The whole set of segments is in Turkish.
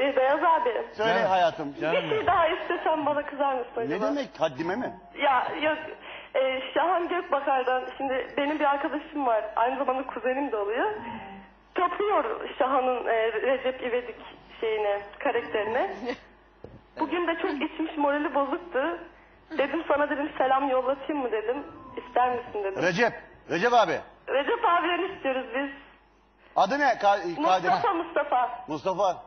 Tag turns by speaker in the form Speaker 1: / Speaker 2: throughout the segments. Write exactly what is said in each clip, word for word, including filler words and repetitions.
Speaker 1: Ee, Beyaz abi.
Speaker 2: Söyle
Speaker 3: Canım.
Speaker 2: hayatım.
Speaker 3: Canım
Speaker 1: Bir şey daha istesem bana kızar mısın acaba?
Speaker 2: Ne demek haddime mi?
Speaker 1: Ya yok. Ee, Şahan Gökbakar'dan şimdi benim bir arkadaşım var. Aynı zamanda kuzenim de oluyor. Tapıyor Şahan'ın e, Recep İvedik şeyine, karakterine. Bugün de çok içmiş, morali bozuktu. Dedim sana dedim selam yollatayım mı dedim. İster misin dedim.
Speaker 2: Recep. Recep abi.
Speaker 1: Recep abiden istiyoruz biz.
Speaker 2: Adı ne? Ka
Speaker 1: Mustafa Mustafa.
Speaker 2: Mustafa.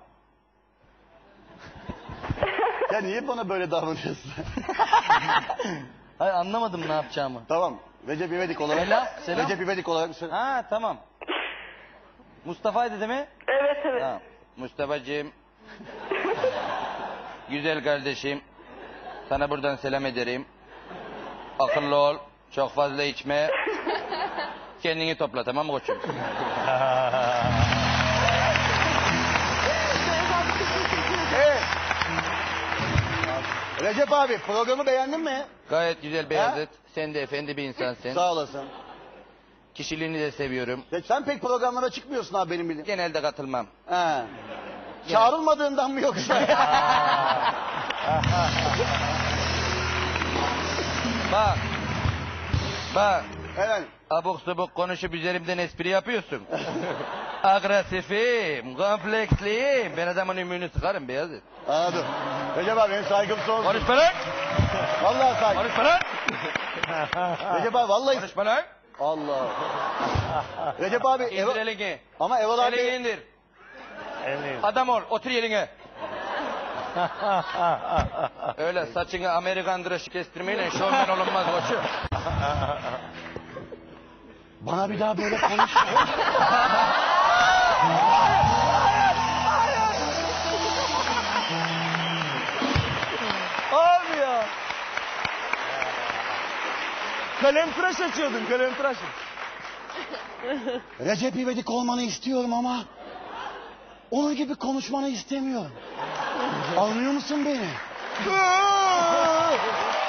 Speaker 2: Ya niye bana böyle davranıyorsun?
Speaker 3: Hayır, anlamadım ne yapacağımı.
Speaker 2: Tamam. Recep İvedik olarak.
Speaker 3: Selam, selam.
Speaker 2: Recep İvedik olarak söyle.
Speaker 3: Ha tamam. Mustafa'ydı değil mi?
Speaker 1: Evet evet.
Speaker 3: Tamam. Mustafa'cığım. Güzel kardeşim. Sana buradan selam ederim. Akıllı ol. Çok fazla içme. Kendini topla, tamam mı koçum?
Speaker 2: Evet. Recep abi programı beğendin mi?
Speaker 3: Gayet güzel Beyazıt. Sen de efendi bir insansın.
Speaker 2: Sağ olasın.
Speaker 3: Kişiliğini de seviyorum.
Speaker 2: Ya sen pek programlara çıkmıyorsun abi benim bildiğim.
Speaker 3: Genelde katılmam.
Speaker 2: He. Çağrılmadığından mı yoksa?
Speaker 3: Bak. Bak.
Speaker 2: Evet.
Speaker 3: Abuk subuk konuşup üzerimden espri yapıyorsun. Agresifim, kompleksliyim. Ben adamın ümüğünü sıkarım Beyazıt.
Speaker 2: Anladım. Recep abi benim saygım sonsuz.
Speaker 3: Konuşma lan!
Speaker 2: Vallahi saygım.
Speaker 3: Konuşma lan!
Speaker 2: Recep abi vallahi.
Speaker 3: Konuşma lan!
Speaker 2: Allah. Recep abi.
Speaker 3: İndir
Speaker 2: Eva...
Speaker 3: elini.
Speaker 2: Ama Eval abi.
Speaker 3: Elini indir.
Speaker 4: Elini.
Speaker 3: Adam ol, otur yerine. Öyle saçını Amerikan dışı kestirmeyle şovmen olunmaz koçum.
Speaker 2: Bana bir daha böyle konuşma.
Speaker 4: Abi ya. Kalem tıraş açıyordun, kalem tıraş.
Speaker 2: Recep İvedik olmanı istiyorum ama onun gibi konuşmanı istemiyorum. Anlıyor musun beni?